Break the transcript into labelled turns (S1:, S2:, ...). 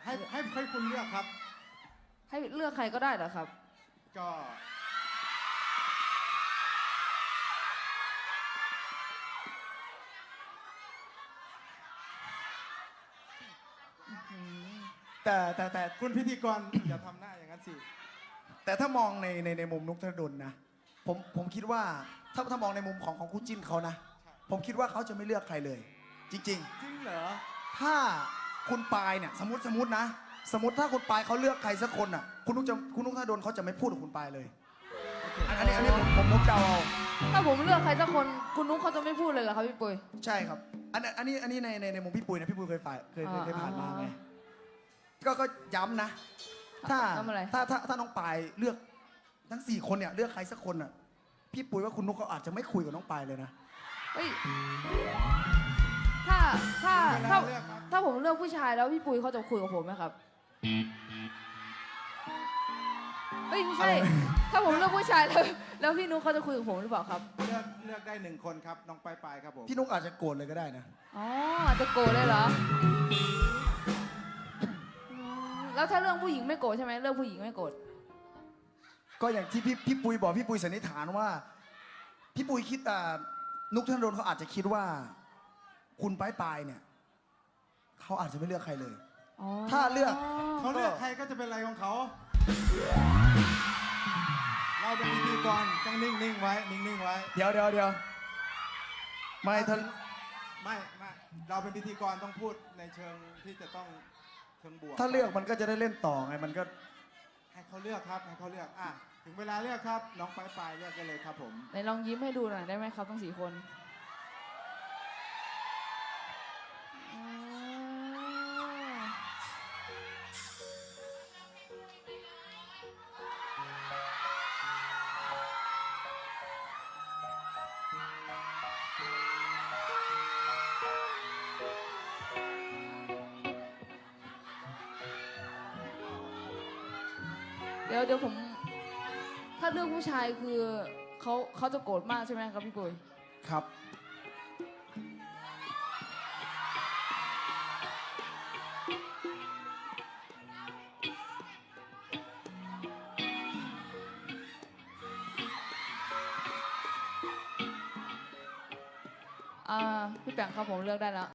S1: ให้คุณเลือกครับ
S2: ให้เลือกใครก็ได้เหรอครับ
S1: ก็แต่คุณพิธีกร อย่าทำหน้าอย่างนั้นสิ
S3: แต่ถ้ามองในมุมนุกธนดลนะผมคิดว่าถ้ามองในมุมของคู่จิ้นเขานะผมคิดว่าเขาจะไม่เลือกใครเลย จริง
S1: จริงเหรอ
S3: ถ้าคุณปายเนี่ยสมมตินะสมมติถ้าคุณปายเขาเลือกใครสักคนอ่ะคุณนุกธนดลเขาจะไม่พูดกับคุณปายเลยอันนี้ผมนุกเดาเอา
S2: ถ้าผมเลือกใครสักคนคุณนุ๊กเขาจะไม่พูดเลยเหรอครับพี่ปุ้ย
S3: ใช่ครับอันนี้ในมุมพี่ปุ้ยนะพี่ปุ้ยเคยผ่านมาไงก็ย้ำนะถ้าน้องปายเลือกทั้ง4คนเนี่ยเลือกใครสักคนอ่ะพี่ปุ้ยว่าคุณนุ๊กเขาอาจจะไม่คุยกับน้องปายเลยนะ
S2: เฮ้ยถ้าผมเลือกผู้ชายแล้วพี่ปุ้ยเขาจะคุยกับผมไหมครับเฮ้ยไม่ใช่ถ้าผมเลือกผู้ชายแล้วพี่นุ๊กเขาจะคุยกับผมหรือเปล่าครับ
S1: เลือกได้1 คนครับน้องปายครับผม
S3: พี่นุ๊กอาจจะโกรธเลยก็ได้นะ
S2: อ๋ออาจจะโกรธเลยเหรอแล้วถ้าเรื่องผู้หญิงไม่โกรธใช่ไหมเรื่องผู้หญิงไม่โกรธ
S3: ก็อย่างที่พี่ปุ้ยบอกพี่ปุ้ยสันนิษฐานว่าพี่ปุ้ยคิดนุ๊กธนดลเขาอาจจะคิดว่าคุณปายเนี่ยเขาอาจจะไม่เลือกใครเลยถ้าเลือก
S1: เขาเลือกใครก็จะเป็นอะไรของเขาเราเป็นพิธีกรต้องนิ่งไว้
S3: เดี๋ยวไม่
S1: เราเป็นพิธีกรต้องพูดในเชิงที่จะต้องเชิงบวก
S3: ถ้าเลือกมันก็จะได้เล่นต่อไงมันก็
S1: ให้เขาเลือกครับให้เขาเลือกถึงเวลาเลือกครับน้องปายเลือกกันเลยครับผม
S2: ไหนลองยิ้มให้ดูหน่อยได้ไหมครับทั้ง4 คนเดี๋ยวผมถ้าเลือกผู้ชายคือเขาจะโกรธมากใช่ไหมครับพี่ปุ้ย
S3: ครับ
S2: พี่แปงครับผมเลือกได้แล้ว